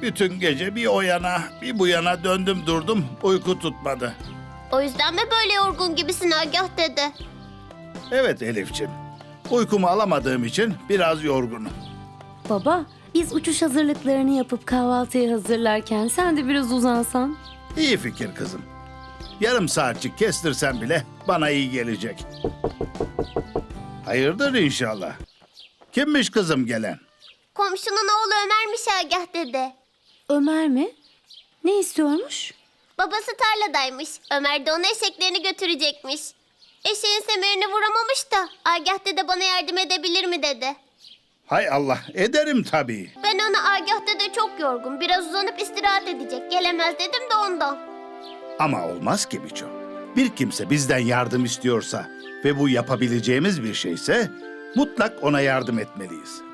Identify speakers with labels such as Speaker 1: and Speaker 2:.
Speaker 1: Bütün gece bir o yana bir bu yana döndüm durdum, uyku tutmadı.
Speaker 2: O yüzden mi böyle yorgun gibisin Agah dede?
Speaker 1: Evet Elifçim, uykumu alamadığım için biraz yorgunum.
Speaker 3: Baba, biz uçuş hazırlıklarını yapıp kahvaltıyı hazırlarken sen de biraz uzansan.
Speaker 1: İyi fikir kızım. Yarım saatçik kestirsen bile bana iyi gelecek. Hayırdır inşallah. Kimmiş kızım gelen?
Speaker 2: Komşunun oğlu Ömer'miş Agah dede.
Speaker 3: Ömer mi? Ne istiyormuş?
Speaker 2: Babası tarladaymış. Ömer de ona eşeklerini götürecekmiş. Eşeğin semerini vuramamış da Agah dede bana yardım edebilir mi dedi.
Speaker 1: Hay Allah, ederim tabii.
Speaker 2: Ben ona Agah dede çok yorgun, biraz uzanıp istirahat edecek. Gelemez dedim de ondan.
Speaker 1: Ama olmaz ki Biço. Bir kimse bizden yardım istiyorsa ve bu yapabileceğimiz bir şeyse mutlak ona yardım etmeliyiz.